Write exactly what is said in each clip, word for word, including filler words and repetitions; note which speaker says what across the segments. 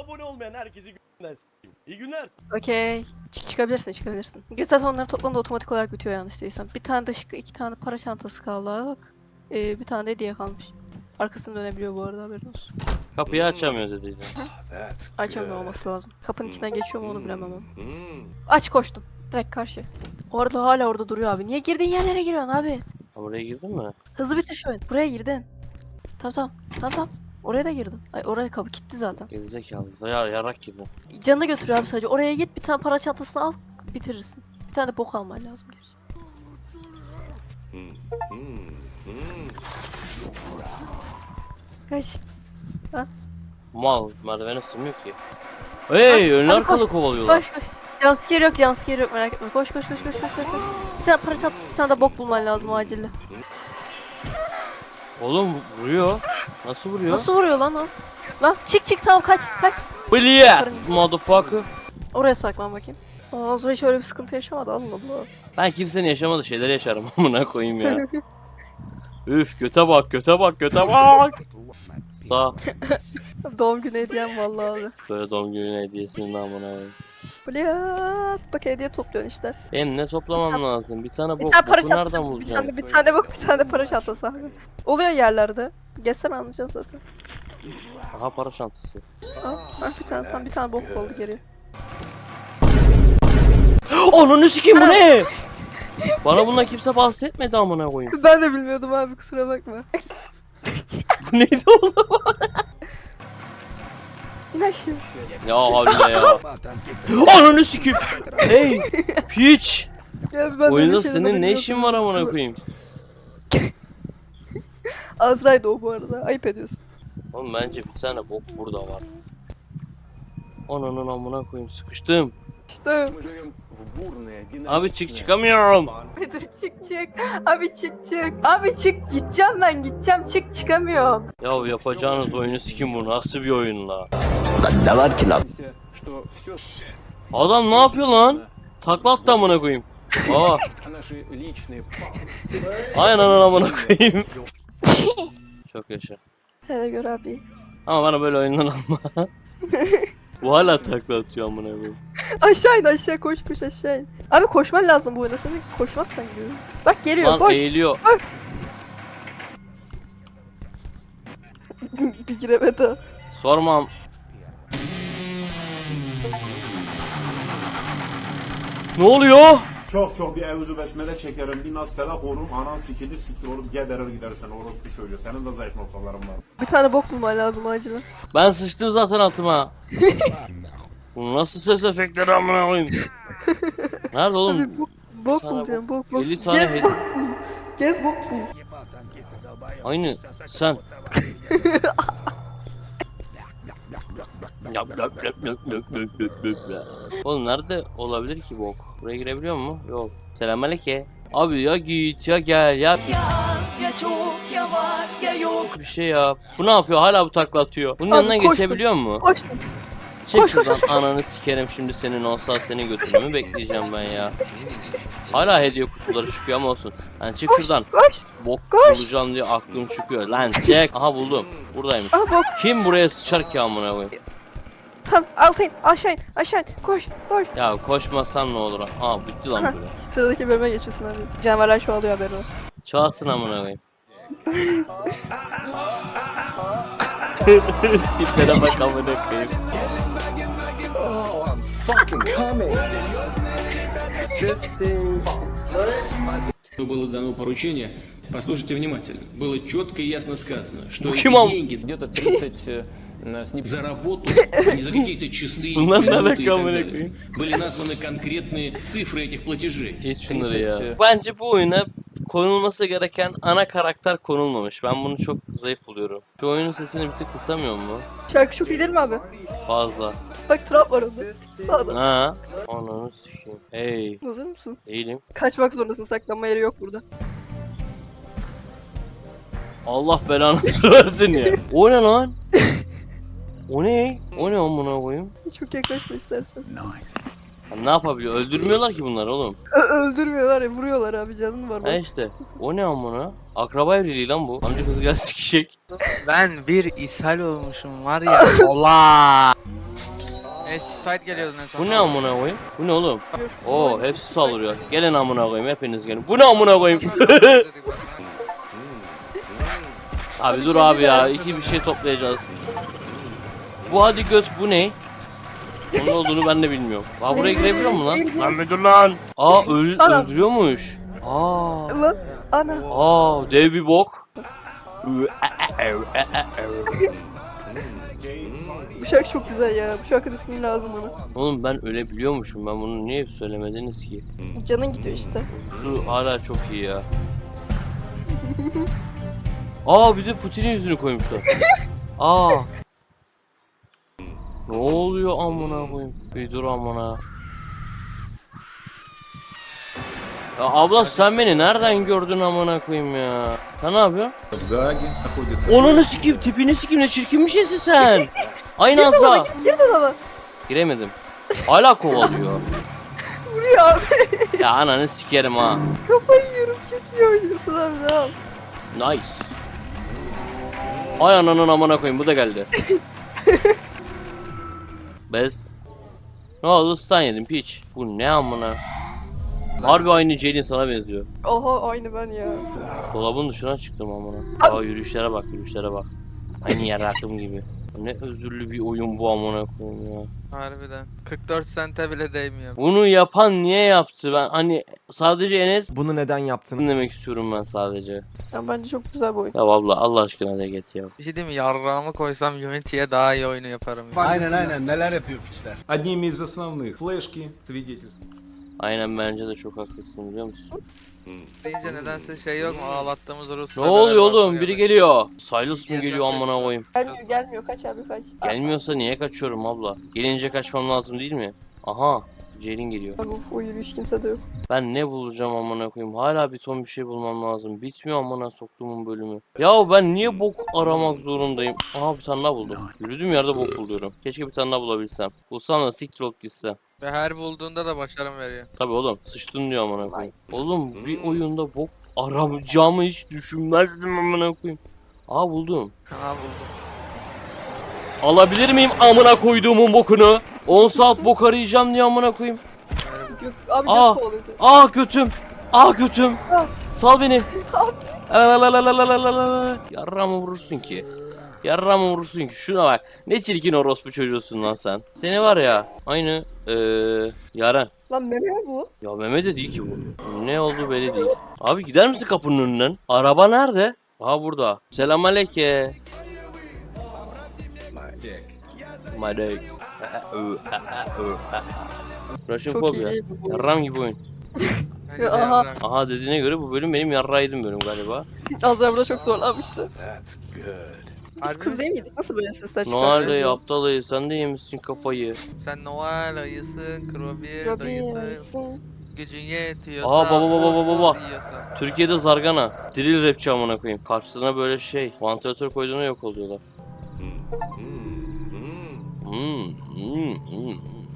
Speaker 1: abone olmayan herkesi günden s**eyim. İyi günler.
Speaker 2: Okey. Çık çıkabilirsin çıkabilirsin. Bir zaten onların toplamda otomatik olarak bitiyor yanlış değilsem. Bir tane de şık, iki tane para çantası kaldı abi bak. Ee, bir tane de hediye kalmış. Arkasını dönebiliyor bu arada haberin olsun.
Speaker 3: Kapıyı açamıyor dediydi.
Speaker 2: Açamıyor olması lazım. Kapının içinden geçiyor mu onu bilemem ama.
Speaker 1: Hmm.
Speaker 2: Aç koştun. Direkt karşı. Orada hala orada duruyor abi. Niye girdiğin yerlere giriyorsun abi?
Speaker 3: Ha, buraya girdin mi?
Speaker 2: Hızlı bitir şu an. Buraya girdin. Tamam tamam. Tamam tamam. Oraya da girdin. Ay oraya kapı kilitli zaten.
Speaker 3: Gerizekalı. Ya yarak girdin.
Speaker 2: Canını götürüyor abi sadece. Oraya git bir tane para çantasını al. Bitirirsin. Bir tane de bok alman lazım gerçi.
Speaker 1: Hmm. Hmm. Hmm.
Speaker 2: Kaç.
Speaker 3: Mal merdivene sığmıyor ki. Hey ön
Speaker 2: hadi
Speaker 3: arkalı
Speaker 2: koş.
Speaker 3: kovalıyorlar.
Speaker 2: Koş koş. Jumpscare yok jumpscare yok merak etme. Koş koş koş koş koş koş. koş. Bir tane para çantası bir tane de bok bulman lazım acilde.
Speaker 3: Oğlum vuruyor. Nasıl vuruyor?
Speaker 2: Nasıl vuruyor lan o? Lan çık çık tamam kaç kaç.
Speaker 3: Bliyet motherfucker.
Speaker 2: Oraya saklan bakayım. Aa Zoe hiç öyle bir sıkıntı yaşamadı Allah Allah.
Speaker 3: Ben kimsenin yaşamadığı şeyler yaşarım amına koyayım ya. Üf göte bak göte bak göte bak. Sağ.
Speaker 2: Doğum günü hediyem vallahi abi.
Speaker 3: Böyle doğum günü hediyesinin amına koyayım.
Speaker 2: Bliyat. Bak hediye topluyorsun işte.
Speaker 3: Benim ne toplamam lazım? Bir tane
Speaker 2: Bir
Speaker 3: bok.
Speaker 2: tane para
Speaker 3: Boku nereden
Speaker 2: çantası. Bir
Speaker 3: bulacağım?
Speaker 2: tane, bir tane bok bir tane de para çantası abi. Oluyor yerlerde. Geçsen anlayacaksın zaten.
Speaker 3: Aha para çantası.
Speaker 2: Al. Ah, bir tane tam bir tane bok oldu geriye.
Speaker 3: Ananı sikeyim bu ne? Bana bundan kimse bahsetmedi amına koyayım.
Speaker 2: Ben de bilmiyordum abi kusura bakma.
Speaker 3: Bu neydi oğlum?
Speaker 2: İn aşağı.
Speaker 3: Ya havle ya. Ananı sikeyim. Hey piç.
Speaker 2: Ya ben de
Speaker 3: Oyunda
Speaker 2: bir kere de
Speaker 3: senin ne
Speaker 2: bilmiyordum.
Speaker 3: işin var amına koyayım?
Speaker 2: Azra'ydı o bu arada. Ayıp ediyorsun.
Speaker 3: Oğlum bence bir tane bok burada var. Ananın amına koyayım sıkıştım.
Speaker 2: İşte.
Speaker 3: Abi çık çıkamıyorum.
Speaker 2: Dur çık çık. Abi çık çık. Abi çık gideceğim ben gideceğim çık çıkamıyorum.
Speaker 3: Ya yapacağınız oyunu sikim bu nasıl bir oyun la?
Speaker 4: Ne var ki lan?
Speaker 3: Adam ne yapıyor lan? Takla attı amına koyayım. Aa. Aynen ananı amına koyayım. Çok yaşa.
Speaker 2: Hele gör abi.
Speaker 3: Ama bana böyle oyundan alma. Bu hala takla atıyor amına koyayım.
Speaker 2: Aşağı in aşağı koş koş aşağı in. Abi koşman lazım bu oyunda sen koşmazsan gidiyor. Bak geliyor
Speaker 3: Lan
Speaker 2: koş.
Speaker 3: eğiliyor.
Speaker 2: Bir giremedi.
Speaker 3: Sormam. Ne oluyor?
Speaker 5: Çok çok bir evzu besmele çekerim, bir nas felak olurum, anan sikilir sikir olup geberir gidersen orospu çocuğu. Senin de zayıf noktaların var.
Speaker 2: Bir tane bok bulman lazım acilen.
Speaker 3: Ben sıçtım zaten altıma. Bu nasıl ses efektleri amına koyayım? Nerede oğlum?
Speaker 2: Abi bok, bok
Speaker 3: Sana
Speaker 2: bulacağım bok bok.
Speaker 3: elli tane
Speaker 2: Gez
Speaker 3: hediye.
Speaker 2: bok bul. Gez bok bul.
Speaker 3: Aynı sen. Oğlum nerede olabilir ki bok? Buraya girebiliyor mu? Yok. Selamünaleyküm. Abi ya git ya gel ya
Speaker 6: Yaz ya çok ya var ya yok.
Speaker 3: bir şey yap. Bu ne yapıyor? Hala bu takla atıyor. Bunun
Speaker 2: Abi
Speaker 3: yanından
Speaker 2: koştum.
Speaker 3: geçebiliyor mu?
Speaker 2: Koştum.
Speaker 3: Çık
Speaker 2: koş, koş,
Speaker 3: şuradan
Speaker 2: koş, koş.
Speaker 3: ananı sikerim şimdi senin olsa seni götürmemi bekleyeceğim ben ya. Hala hediye kutuları çıkıyor ama olsun. Lan çık şuradan.
Speaker 2: Koş.
Speaker 3: Bok
Speaker 2: Koş.
Speaker 3: bulacağım diye aklım çıkıyor. Lan çek. Aha buldum. Buradaymış.
Speaker 2: Ah bok.
Speaker 3: Kim buraya sıçar ki amına koyayım?
Speaker 2: Tamam alta in aşağı in aşağı in. Koş koş.
Speaker 3: Ya koşmasam ne olur? Aa bitti lan
Speaker 2: Heh,
Speaker 3: böyle.
Speaker 2: sıradaki bölüme geçiyorsun abi. Canavarlar çoğalıyor haberin olsun.
Speaker 3: Çalsın amına koyayım. Tiplere bak amına koyayım.
Speaker 7: Было дано поручение, послушайте внимательно, было четко и ясно сказано, что эти
Speaker 3: Покемон.
Speaker 7: деньги
Speaker 8: Где-то тридцать э, с неб-
Speaker 7: за работу, а не за какие-то часы,
Speaker 3: Bunlar ne
Speaker 7: минуты и
Speaker 3: alaka
Speaker 7: так
Speaker 3: amına
Speaker 7: далее.
Speaker 3: koyayım?
Speaker 7: Были названы конкретные цифры этих платежей.
Speaker 3: Hiç şunları ya.
Speaker 8: тридцать,
Speaker 3: Bence bu oyuna konulması gereken ana karakter konulmamış. Ben bunu çok zayıf buluyorum. Şu oyunun sesini bir tık kısamıyor mu?
Speaker 2: Şarkı çok iyi değil mi abi?
Speaker 3: Fazla.
Speaker 2: Bak trap var orada. Sağda.
Speaker 3: Ha? Ananı sikeyim. Hey.
Speaker 2: Hazır mısın?
Speaker 3: Değilim.
Speaker 2: Kaçmak zorundasın saklanma yeri yok burada.
Speaker 3: Allah belanı versin ya. O ne lan? O ne? O ne amına koyayım?
Speaker 2: Çok yaklaşma istersen.
Speaker 3: Ya ne yapabiliyor? Öldürmüyorlar ki bunlar oğlum.
Speaker 2: Ö öldürmüyorlar ya vuruyorlar abi canın var.
Speaker 3: Ha
Speaker 2: Bak.
Speaker 3: işte. O ne amına? Akraba evliliği lan bu. Amca kızı gel sikişek.
Speaker 9: Ben bir ishal olmuşum var ya. Allah. Fight geliyordu en son.
Speaker 3: Bu ne amına koyayım? Bu ne oğlum? Oo hepsi saldırıyor. Gelin amına koyayım hepiniz gelin. Bu ne amına koyayım? Abi dur abi ya. İki bir şey toplayacağız. Bu hadi göz bu ne? Onun olduğunu ben de bilmiyorum. Aa buraya girebiliyor mu lan? Lan müdür lan. Aa öl öldürüyormuş. Aa.
Speaker 2: Lan ana.
Speaker 3: Aa dev bir bok.
Speaker 2: Bu şarkı çok güzel ya. Bu şarkının ismi lazım bana.
Speaker 3: Oğlum ben ölebiliyormuşum. Ben bunu niye söylemediniz ki?
Speaker 2: Canın gidiyor işte.
Speaker 3: Şu hala çok iyi ya. Aa bir de Putin'in yüzünü koymuşlar. Aa. Ne oluyor amına koyayım? Bir dur amına. Ya abla sen beni nereden gördün amına koyayım ya? Sen ne yapıyorsun? Onunu sikeyim, tipini sikeyim, ne çirkin bir şeysin sen. Aynı Azra.
Speaker 2: Gir de baba.
Speaker 3: Giremedim. Hala kovalıyor.
Speaker 2: Vuruyor abi.
Speaker 3: Ya ananı sikerim ha.
Speaker 2: Kafayı yiyorum. Çok iyi oynuyorsun abi. Ne yap?
Speaker 3: Nice. Ay ananın amına koyayım bu da geldi. Best. Ne oldu stun yedim piç. Bu ne amına. Harbi aynı Ceylin sana benziyor.
Speaker 2: Oha aynı ben ya.
Speaker 3: Dolabın dışına çıktım amına. Aa yürüyüşlere bak yürüyüşlere bak. Aynı yaratım gibi. Ne özürlü bir oyun bu amına koyayım ya.
Speaker 9: Harbiden. kırk dört sente bile değmiyor.
Speaker 3: Bunu yapan niye yaptı ben hani sadece Enes
Speaker 10: Bunu neden yaptın?
Speaker 3: demek istiyorum ben sadece.
Speaker 2: Ya bence çok güzel bir oyun.
Speaker 3: Ya abla Allah aşkına de get ya.
Speaker 9: Bir şey diyeyim mi? Yarrağımı koysam Unity'ye daha iyi oyunu yaparım.
Speaker 10: Aynen aynen neler yapıyor piçler.
Speaker 7: Одними из основных. Флешки, свидетельства.
Speaker 3: Aynen bence de çok haklısın biliyor musun?
Speaker 9: Deyince nedense şey yok mu? Ağlattığımız Rus.
Speaker 3: Ne oluyor oğlum? Biri geliyor. Silas mı geliyor amına koyayım?
Speaker 2: Gelmiyor gelmiyor. Kaç abi kaç.
Speaker 3: Gelmiyorsa niye kaçıyorum abla? Gelince kaçmam lazım değil mi? Aha, Ceylin geliyor.
Speaker 2: Abi of, o yürüyüş kimse de yok.
Speaker 3: Ben ne bulacağım amına koyayım? Hala bir ton bir şey bulmam lazım. Bitmiyor amına soktuğumun bölümü. Ya ben niye bok aramak zorundayım? Aha bir tane daha buldum. Yürüdüğüm yerde bok buluyorum. Keşke bir tane daha bulabilsem. Bulsam da siktir olup gitsem.
Speaker 9: Ve her bulduğunda da başarım veriyor.
Speaker 3: Tabii oğlum sıçtın diyor amına koyayım. Oğlum bir oyunda bok aramayacağımı hiç düşünmezdim amına koyayım. Aa buldum.
Speaker 9: Ha buldum.
Speaker 3: Alabilir miyim amına koyduğumun bokunu? on saat bok arayacağım diye amına koyayım.
Speaker 2: Gök, abi
Speaker 3: Aa.
Speaker 2: göz kovalıyorsun.
Speaker 3: Aa götüm. Aa götüm. Sal beni. Yarrağımı vurursun ki. Yarrağımı vurursun ki. Şuna bak. Ne çirkin orospu çocuğusun lan sen. Seni var ya. Aynı eee Yaren.
Speaker 2: Lan meme mi bu?
Speaker 3: Ya Mehmet de değil ki bu. Ne oldu belli değil. Abi gider misin kapının önünden? Araba nerede? Aha burada. Selamünaleyküm. Madek. Russian
Speaker 2: Çok
Speaker 3: Phobia.
Speaker 2: iyi bu.
Speaker 3: Yarram gibi oyun.
Speaker 9: Bence de
Speaker 2: Aha.
Speaker 9: yarrak.
Speaker 3: Aha dediğine göre bu bölüm benim yarrağıydım bölüm galiba.
Speaker 2: Azra burada çok zorlanmıştı. Biz
Speaker 9: Harbi
Speaker 2: kız
Speaker 9: mi?
Speaker 2: değil miydik? Nasıl böyle sesler
Speaker 3: Noel
Speaker 2: çıkartıyoruz?
Speaker 3: dayı aptal dayı sen de yemişsin kafayı.
Speaker 9: Sen Noel ayısın, Krobir
Speaker 2: Robin
Speaker 9: dayısın.
Speaker 2: arasın.
Speaker 9: Gücün yetiyorsa.
Speaker 3: Aa, baba, baba, baba, baba.
Speaker 9: yiyorsan.
Speaker 3: Türkiye'de zargana. Drill rapçi amına koyayım. Karşısına böyle şey. Vantilatör koyduğuna yok oluyorlar. Hmm, hmm, hmm.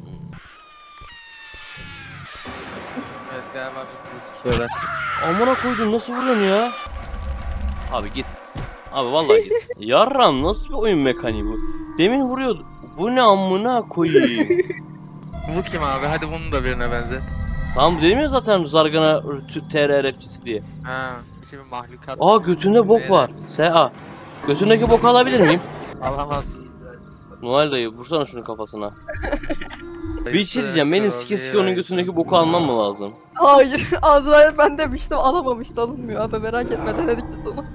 Speaker 9: Evet galiba bitti sikiyorlar.
Speaker 3: Amına koydum nasıl vuruyorsun ya? Abi git. Abi vallahi git. Yarram nasıl bir oyun mekaniği bu? Demin vuruyordu. Bu ne amına koyayım?
Speaker 9: Bu kim abi? Hadi bunun da birine benzer.
Speaker 3: Tamam dedim ya zaten zargana T R rapçisi diye.
Speaker 9: Ha. Şimdi mahlukat.
Speaker 3: Aa götünde bok var. S A. Götündeki boku alabilir miyim?
Speaker 9: Alamaz.
Speaker 3: Noel dayı vursana şunun kafasına. Bir şey diyeceğim benim sike sike onun götündeki boku almam mı lazım?
Speaker 2: Hayır. Azra'ya ben demiştim alamamıştı alınmıyor abi merak etme denedik biz onu.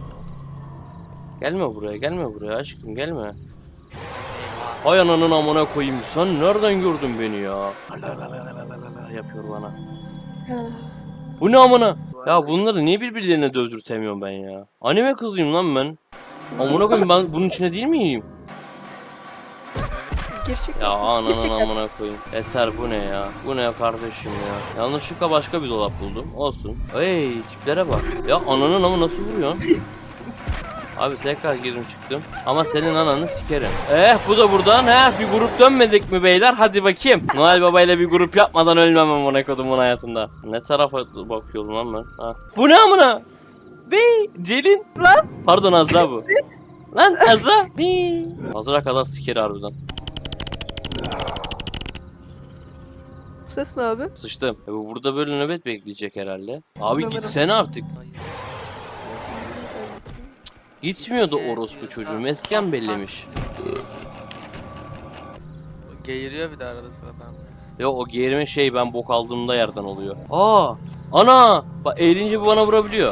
Speaker 3: Gelme buraya gelme buraya aşkım gelme. Hay ananın amına koyayım sen nereden gördün beni ya? Yapıyor bana. Bu ne amına? Ya bunları niye birbirlerine dövdürtemiyorum ben ya? Anime kızıyım lan ben. Amına koyayım ben bunun içine değil miyim?
Speaker 2: Gerçek.
Speaker 3: Ya ananın
Speaker 2: Gerçekten.
Speaker 3: amına koyayım. Yeter bu ne ya? Bu ne kardeşim ya? Yanlışlıkla başka bir dolap buldum. Olsun. Hey tiplere bak. Ya ananın amı nasıl vuruyorsun? Abi tekrar girdim çıktım. Ama senin ananı sikerim. Eh bu da buradan. Heh bir grup dönmedik mi beyler? Hadi bakayım. Noel Baba ile bir grup yapmadan ölmem amına kodumun hayatında. Ne tarafa bakıyorum lan ben? Ha. Bu ne amına? Bey Celin.
Speaker 2: Lan.
Speaker 3: Pardon Azra bu. Lan Azra. Bey. Azra kadar sikeri harbiden.
Speaker 2: ses ne abi?
Speaker 3: Sıçtım. E bu burada böyle nöbet bekleyecek herhalde. Abi
Speaker 2: Sanırım.
Speaker 3: gitsene artık. Gitmiyordu orospu çocuğu. Mesken bellemiş.
Speaker 9: Geğiriyor bir de arada sırada.
Speaker 3: Ya o geğirme şey ben bok aldığımda yerden oluyor. Aa! Ana! Bak eğilince bu bana vurabiliyor.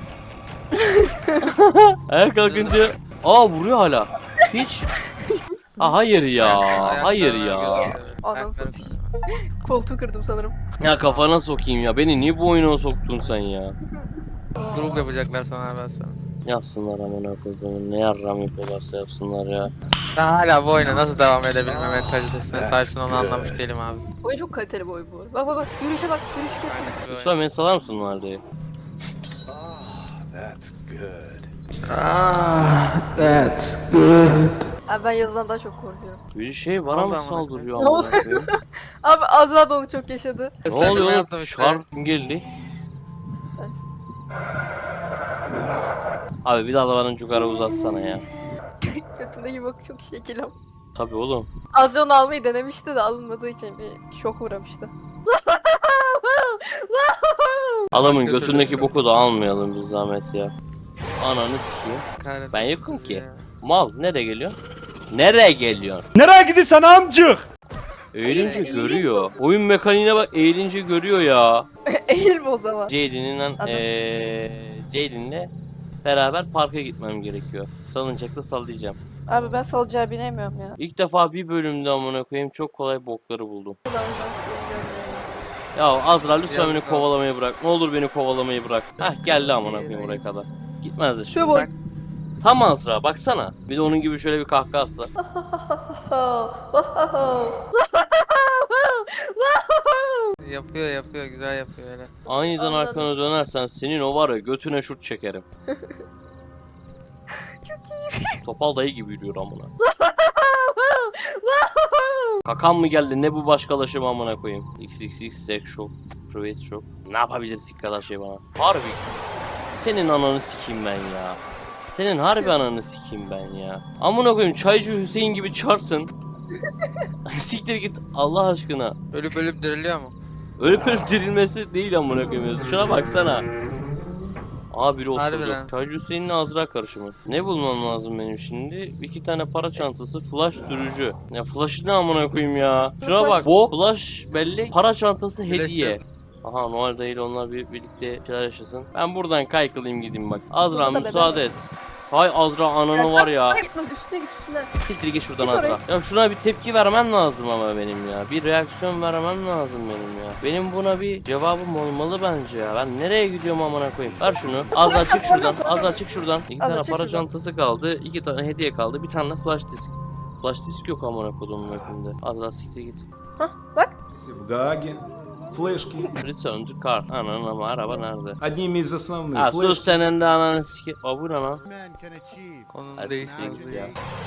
Speaker 3: Ayağa kalkınca aa vuruyor hala. Hiç. Aa, hayır ya. Hayır ya.
Speaker 2: Ananı satayım. Koltuğu kırdım sanırım.
Speaker 3: Ya kafana sokayım ya. Beni niye bu oyuna soktun sen ya?
Speaker 9: Grup yapacaklar sana ben sana.
Speaker 3: Yapsınlar amına koyduğum. Ne yarram yapıyorlarsa yapsınlar ya.
Speaker 9: Ben hala bu oyuna nasıl devam edebilme mentalitesine sahipsin onu anlamış değilim abi.
Speaker 2: Oyun çok kaliteli bir oyun bu arada. Bak bak bak. Yürüyüşe bak. Yürüyüş kesme.
Speaker 9: Bu oyun-
Speaker 3: Lütfen beni salar mısın Marde'ye?
Speaker 10: That's good.
Speaker 2: Abi ben yazıdan daha çok korkuyorum.
Speaker 3: Bir şey bana
Speaker 9: Allah
Speaker 3: mı
Speaker 9: amına
Speaker 3: saldırıyor
Speaker 2: koyayım.
Speaker 3: amına koyayım?
Speaker 2: Abi Azra da onu çok yaşadı.
Speaker 3: Ne
Speaker 9: Sen de
Speaker 3: oluyor
Speaker 9: mi
Speaker 3: oğlum?
Speaker 9: yaptın işte?
Speaker 3: Şarp geldi. Abi bir daha da bana cugara uzatsana ya.
Speaker 2: Götündeki bak çok şekilim.
Speaker 3: Tabii oğlum.
Speaker 2: Azra onu almayı denemişti de alınmadığı için bir şok uğramıştı.
Speaker 3: Adamın
Speaker 9: Başka
Speaker 3: götündeki
Speaker 9: türlü-
Speaker 3: boku da almayalım bir zahmet ya. Ananı sikeyim.
Speaker 9: Kahretsin
Speaker 3: Ben yokum ki.
Speaker 9: ya.
Speaker 3: Mal nereye geliyor? Nereye geliyor?
Speaker 10: Nereye gidiyorsun amcık?
Speaker 3: Eğilince
Speaker 2: Eğilince
Speaker 3: görüyor. Oyun mekaniğine bak eğilince görüyor ya.
Speaker 2: Eğilme o zaman.
Speaker 3: Jaden'in
Speaker 2: Adam.
Speaker 3: eee Jaden'le beraber parka gitmem gerekiyor. Salıncakla sallayacağım.
Speaker 2: Abi ben salacağı binemiyorum ya.
Speaker 3: İlk defa bir bölümde amına koyayım çok kolay bokları buldum. Ya Azra lütfen
Speaker 9: Yazık
Speaker 3: beni
Speaker 9: abi.
Speaker 3: kovalamayı bırak. Ne olur beni kovalamayı bırak. Heh geldi amına koyayım oraya kadar. Gitmez de
Speaker 2: Şu
Speaker 3: şimdi.
Speaker 2: bak.
Speaker 3: Tam Azra baksana. Bir de onun gibi şöyle bir kahkaha atsa.
Speaker 9: Yapıyor yapıyor güzel yapıyor öyle.
Speaker 3: Aniden
Speaker 2: Anladım.
Speaker 3: arkana dönersen senin o var ya götüne şut çekerim.
Speaker 2: Çok iyi.
Speaker 3: Topal dayı gibi yürüyor amına. Kakan mı geldi ne bu başkalaşım amına koyayım. X X X sex shop, private shop. Ne yapabilirsin kadar şey bana. Harbi. Senin ananı sikeyim ben ya. Senin harbi ananı sikeyim ben ya. Amına koyayım çaycı Hüseyin gibi çarsın. Siktir git Allah aşkına.
Speaker 9: Ölüp ölüp diriliyor mu?
Speaker 3: Ölüp ölüp dirilmesi değil amına koyayım. Şuna baksana. Aa biri
Speaker 9: Harbi
Speaker 3: osurdu.
Speaker 9: lan.
Speaker 3: Çaycı Hüseyin'le Azra karışımı. Ne bulmam lazım benim şimdi? İki tane para çantası, flash sürücü. Ya flash ne amına koyayım ya? Şuna bak. Bu flash belli. Para çantası hediye. Aha Noel değil onlar bir, birlikte şeyler yaşasın. Ben buradan kaykılayım gideyim bak. Azra
Speaker 2: Burada da
Speaker 3: müsaade et. Hay Azra ananı var ya.
Speaker 2: Hayır lan üstüne git üstüne.
Speaker 3: Siktir git şuradan
Speaker 2: Git oraya.
Speaker 3: Azra. Ya şuna bir tepki vermem lazım ama benim ya. Bir reaksiyon vermem lazım benim ya. Benim buna bir cevabım olmalı bence ya. Ben nereye gidiyorum amına koyayım? Ver şunu. Azra çık şuradan. Azra çık şuradan. İki
Speaker 2: Azra
Speaker 3: tane
Speaker 2: çık
Speaker 3: para
Speaker 2: şuradan.
Speaker 3: çantası kaldı. İki tane hediye kaldı. Bir tane de flash disk. Flash disk yok amına koyduğum yakında. Azra siktir git.
Speaker 2: Hah bak.
Speaker 10: В Гааге. Флешки.
Speaker 3: Return to car. Ananın ama araba nerede?
Speaker 10: Одними из основных.
Speaker 3: Ha sus
Speaker 10: Флешки.
Speaker 3: senin de ananı sikir. Aa bu ne lan?
Speaker 9: Onun
Speaker 3: Ha,
Speaker 9: değiştiği
Speaker 3: siktir git ya.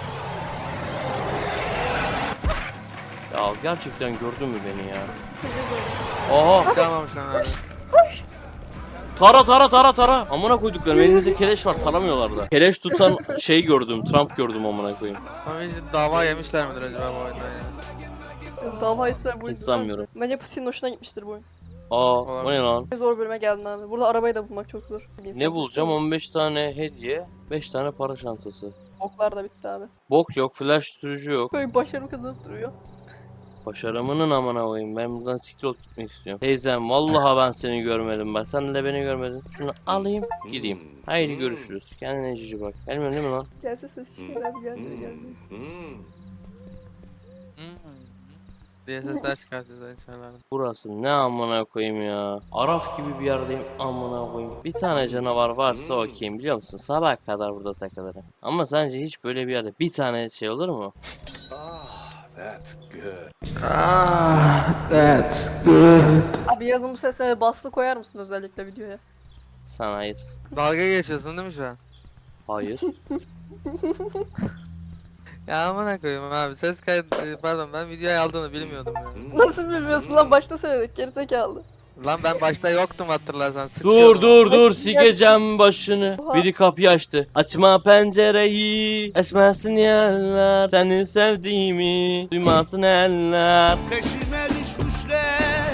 Speaker 3: Ya gerçekten gördün mü beni ya?
Speaker 2: Süreceğiz onu.
Speaker 3: Oha!
Speaker 9: Kalmamış lan abi.
Speaker 3: Tara tara tara tara. Amına koyduklarım elinizde keleş var taramıyorlar da. Keleş tutan şey gördüm. Trump gördüm amına koyayım.
Speaker 9: Ama hiç dava yemişler midir acaba bu oyunda ya?
Speaker 2: Dava ise bu
Speaker 3: Hiç sanmıyorum.
Speaker 2: Bence Putin'in hoşuna gitmiştir bu oyun.
Speaker 3: Aa o ne lan?
Speaker 2: Zor bölüme geldin abi. Burada arabayı da bulmak çok zor. Bir insan
Speaker 3: Ne bulacağım?
Speaker 2: bulsun.
Speaker 3: on beş tane hediye, beş tane para çantası.
Speaker 2: Oklar da bitti abi.
Speaker 3: Bok yok, flash sürücü yok.
Speaker 2: Böyle başarım kazanıp duruyor.
Speaker 3: Başarımının amına koyayım. Ben buradan siktir olup gitmek istiyorum. Teyzem vallahi ben seni görmedim ben. Sen de beni görmedin. Şunu alayım gideyim. Haydi görüşürüz. Kendine cici bak. Gelmiyorsun değil mi lan?
Speaker 2: Gelse ses çıkar abi gelmiyor gelmiyor.
Speaker 1: Hmm.
Speaker 9: Hmm. diye sesler çıkartıyorlar içeriden.
Speaker 3: Burası ne amına koyayım ya. Araf gibi bir yerdeyim amına koyayım. Bir tane canavar varsa okeyim biliyor musun? Sabah kadar burada takılırım. Ama sence hiç böyle bir yerde bir tane şey olur mu?
Speaker 10: That's good.
Speaker 2: Abi yazın bu sesine baslı koyar mısın özellikle videoya?
Speaker 3: Sana ayıpsın.
Speaker 9: Dalga geçiyorsun değil mi şu an?
Speaker 3: Hayır.
Speaker 9: Ya aman koyayım abi ses kaydı pardon ben videoyu aldığını bilmiyordum ya.
Speaker 2: Nasıl bilmiyorsun lan başta söyledik gerizekalı.
Speaker 9: Lan ben başta yoktum hatırlarsan
Speaker 3: Dur
Speaker 9: sıkıyordum.
Speaker 3: dur dur
Speaker 2: Ay,
Speaker 3: sikeceğim başını.
Speaker 2: Oha.
Speaker 3: Biri kapıyı açtı. Açma pencereyi. Esmesin yerler. Seni sevdiğimi duymasın eller.
Speaker 6: Peşime düşmüşler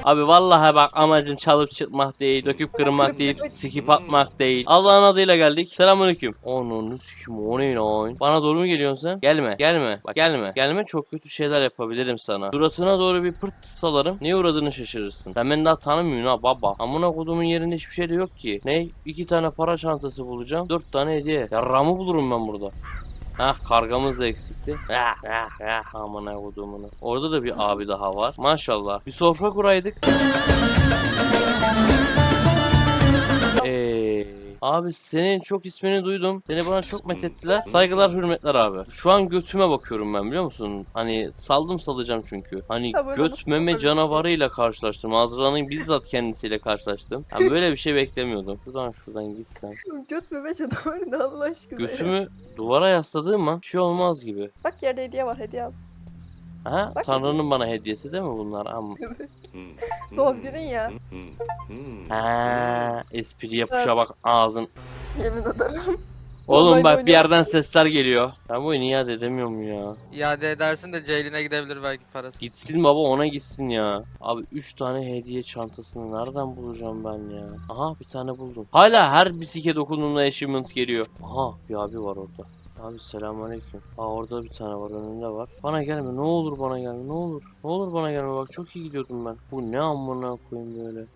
Speaker 3: Abi vallahi bak amacım çalıp çırpmak değil, döküp kırmak değil, skip atmak değil. Allah'ın adıyla geldik. Selamünaleyküm. Onun sikim o ne lan? Bana doğru mu geliyorsun sen? Gelme, gelme. Bak gelme. Gelme, çok kötü şeyler yapabilirim sana. Suratına doğru bir pırt salarım. Neye uğradığını şaşırırsın. Sen beni daha tanımıyorsun ha baba. Amına kodumun yerinde hiçbir şey de yok ki. Ne? İki tane para çantası bulacağım. Dört tane hediye. Yarramı bulurum ben burada. Hah, kargamız da eksikti. Ah, ah, ah. Aman kodumunu. Orada da bir abi daha var. Maşallah. Bir sofra kuraydık. Eee abi senin çok ismini duydum. Seni bana çok methettiler. Saygılar hürmetler abi. Şu an götüme bakıyorum ben, biliyor musun? Hani saldım salacağım çünkü. Hani
Speaker 2: Ha, böyle
Speaker 3: göt
Speaker 2: nasıl
Speaker 3: meme
Speaker 2: olabilir?
Speaker 3: canavarıyla karşılaştım. Azra'nın bizzat kendisiyle karşılaştım. Yani böyle bir şey beklemiyordum. Şuradan şuradan gitsem.
Speaker 2: Göt meme canavarı ne Allah aşkına ya.
Speaker 3: Götümü duvara yasladığım an bir şey olmaz gibi.
Speaker 2: Bak yerde hediye var, hediye al.
Speaker 3: Ha?
Speaker 2: Bak-
Speaker 3: Tanrı'nın bana hediyesi değil mi bunlar? Amma.
Speaker 1: Hmm,
Speaker 2: Doğum günün ya.
Speaker 1: hmm, hmm.
Speaker 3: Ha, espri yapışa
Speaker 2: Evet.
Speaker 3: bak ağzın.
Speaker 2: Yemin ederim.
Speaker 3: Oğlum
Speaker 2: Normalde
Speaker 3: bak bir
Speaker 2: oynuyor.
Speaker 3: yerden sesler geliyor. Ben bu oyunu iade edemiyorum ya.
Speaker 9: İade edersin de Ceylin'e gidebilir belki parası.
Speaker 3: Gitsin baba, ona gitsin ya. Abi üç tane hediye çantasını nereden bulacağım ben ya? Aha bir tane buldum. Hala her bisike dokunduğumda achievement geliyor. Aha bir abi var orada. Abi selamünaleyküm. Aa orada bir tane var, önünde var. Bana gelme ne olur, bana gelme ne olur. Ne olur bana gelme, bak çok iyi gidiyordum ben. Bu ne amına koyayım böyle.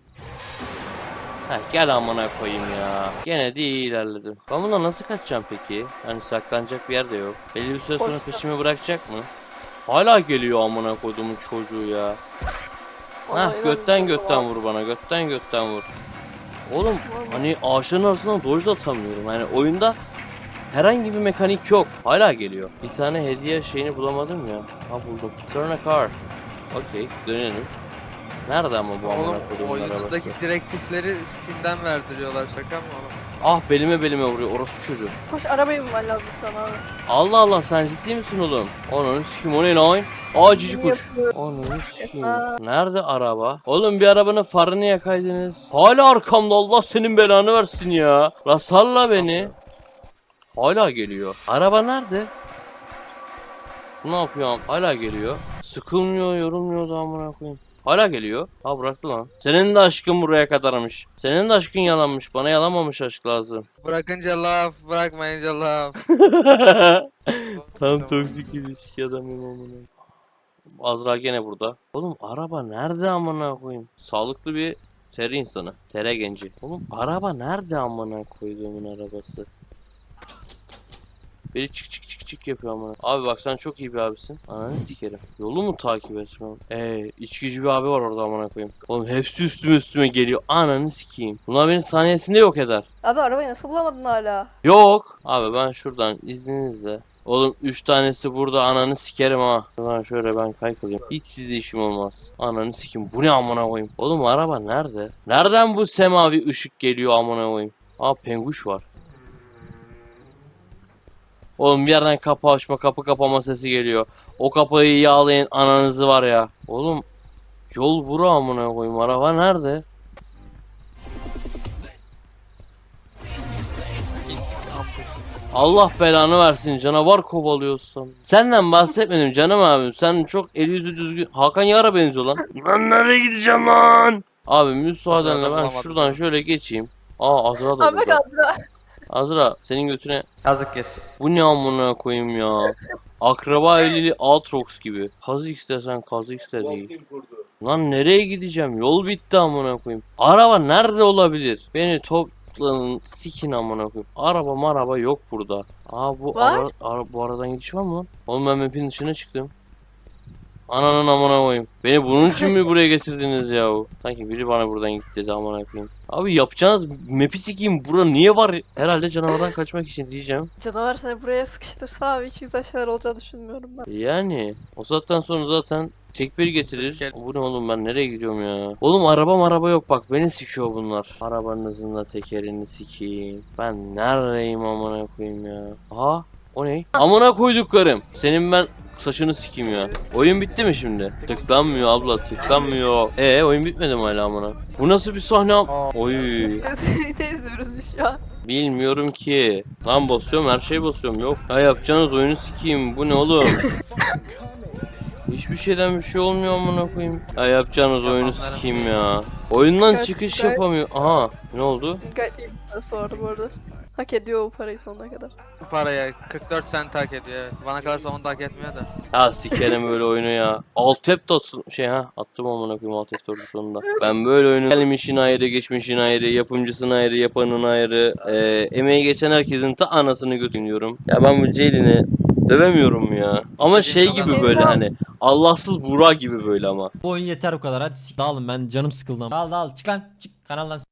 Speaker 3: Heh, gel amına koyayım ya. Gene de iyi ilerledim. Ben bundan nasıl kaçacağım peki? Hani saklanacak bir yer de yok. Belli bir süre sonra
Speaker 2: Boş ver.
Speaker 3: peşimi bırakacak mı? Hala geliyor amına koyduğumun çocuğu ya.
Speaker 2: Vallahi
Speaker 3: Heh götten
Speaker 2: inanmıyorum
Speaker 3: götten
Speaker 2: ya.
Speaker 3: vur bana, götten götten vur. Oğlum hani ağaçların arasından dodge da atamıyorum. Yani oyunda herhangi bir mekanik yok. Hala geliyor. Bir tane hediye şeyini bulamadım ya. Ha buldum. Turn a car. Okey dönelim. Nerede ama bu amına
Speaker 9: Oğlum
Speaker 3: koyduğumun arabası?
Speaker 9: oyundaki direktifleri Steam'den verdiriyorlar, şaka mı oğlum?
Speaker 3: Ah belime belime vuruyor orospu çocuğu.
Speaker 2: Koş arabayı bulman lazım sana abi.
Speaker 3: Allah Allah sen ciddi misin oğlum? Onun sikim o ne lan? Aa cici kuş.
Speaker 2: Yapıyor.
Speaker 3: Onun sikim.
Speaker 2: Aa.
Speaker 3: Nerede araba? Oğlum bir arabanın farını yakaydınız. Hala arkamda, Allah senin belanı versin ya. La salla beni. Hala geliyor. Araba nerede? Bu ne yapıyor? Hala geliyor. Sıkılmıyor, yorulmuyor da amına koyayım. Hala geliyor. Ha bıraktı lan. Senin de aşkın buraya kadarmış. Senin de aşkın yalanmış. Bana yalanmamış aşk lazım.
Speaker 9: Bırakınca laf, bırakmayınca laf.
Speaker 3: Tam toksik ilişki adamım amına. Azra gene burada. Oğlum araba nerede amına koyayım? Sağlıklı bir tere insanı. Tere genci. Oğlum araba nerede amına koyduğumun arabası? Biri çık çık çık çık yapıyor amına. Abi bak sen çok iyi bir abisin. Ananı sikerim. Yolu mu takip etmem? Eee içkici bir abi var orada amına koyayım. Oğlum hepsi üstüme üstüme geliyor. Ananı sikeyim. Bunlar beni saniyesinde yok eder.
Speaker 2: Abi arabayı nasıl bulamadın hala?
Speaker 3: Yok. Abi ben şuradan izninizle. Oğlum üç tanesi burada, ananı sikerim ha. Şuradan şöyle ben kaykılayım. Hiç sizde işim olmaz. Ananı sikim. Bu ne amına koyayım? Oğlum araba nerede? Nereden bu semavi ışık geliyor amına koyayım? Aa penguş var. Oğlum bir yerden kapı açma, kapı kapama sesi geliyor. O kapıyı yağlayın ananızı var ya. Oğlum yol bura amına koyayım. Araba nerede? Allah belanı versin, canavar kovalıyorsun. Senden bahsetmedim canım abim. Sen çok el yüzü düzgün. Hakan Yar'a benziyor lan. Lan nereye gideceğim lan? Abi müsaadenle ben
Speaker 9: bulamadım
Speaker 3: şuradan
Speaker 9: ya.
Speaker 3: şöyle geçeyim. Aa Azra da
Speaker 2: Abi bak
Speaker 3: burada.
Speaker 2: Azra.
Speaker 3: Azra senin götüne.
Speaker 9: Yazık kes.
Speaker 3: Bu ne amına koyayım ya. Akraba evliliği Aatrox gibi. Kazix desen Kazix de değil. Lan nereye gideceğim? Yol bitti amına koyayım. Araba nerede olabilir? Beni toplanın sikin amına koyayım. Araba maraba yok burada. Aa bu
Speaker 2: Var.
Speaker 3: ara, ara- bu aradan gidiş var mı lan? Oğlum ben map'in dışına çıktım. Ananın amına koyayım. Beni bunun için mi buraya getirdiniz ya? Sanki biri bana buradan git dedi amına koyayım. Abi yapacağınız map'i sikeyim. Bura niye var? Herhalde canavardan kaçmak için diyeceğim.
Speaker 2: Canavar seni buraya sıkıştırsa abi hiç güzel şeyler olacağını düşünmüyorum ben.
Speaker 3: Yani o saatten sonra zaten tek bir getirir.
Speaker 9: Gel.
Speaker 3: Bu ne oğlum, ben nereye gidiyorum ya? Oğlum araba araba yok bak, beni sikiyor bunlar. Arabanızın da tekerini sikeyim. Ben neredeyim amına koyayım ya? Aha o ne? Amına koyduklarım. Senin ben saçını sikeyim ya. Oyun bitti mi şimdi? Tıklanmıyor abla, tıklanmıyor. Ee oyun bitmedi mi hala amına? Bu nasıl bir sahne? am- Oy.
Speaker 2: Ne izliyoruz biz şu an?
Speaker 3: Bilmiyorum ki. Lan basıyorum, her şeyi basıyorum. Yok. Ya yapacağınız oyunu sikeyim. Bu ne oğlum? Hiçbir şeyden bir şey olmuyor amına koyayım. Ya yapacağınız oyunu
Speaker 9: Yapanların-
Speaker 3: sikeyim ya. Oyundan
Speaker 2: Gayet-
Speaker 3: çıkış
Speaker 2: gayet-
Speaker 3: yapamıyor. Aha ne oldu?
Speaker 2: Gayet iyi bir parası vardı bu arada. Hak ediyor o parayı sonuna kadar.
Speaker 9: Bu paraya kırk dört sent hak ediyor evet. Bana kalırsa onu da hak etmiyor da.
Speaker 3: Ya sikerim böyle oyunu ya. Alt tap da atın- şey ha attım amına koyayım alt F dördü sonunda. Ben böyle oyunu gelmişin ayrı, geçmişin ayrı, yapımcısın ayrı, yapanın ayrı, e, emeği geçen herkesin ta anasını götürüyorum. Ya ben bu Ceylin'i dövemiyorum ya. Ama şey gibi böyle hani Allahsız Burak gibi böyle ama.
Speaker 11: Bu oyun yeter bu kadar. Hadi sik dağılın, ben canım sıkıldı. Dağıl dağıl çık lan çık kanaldan.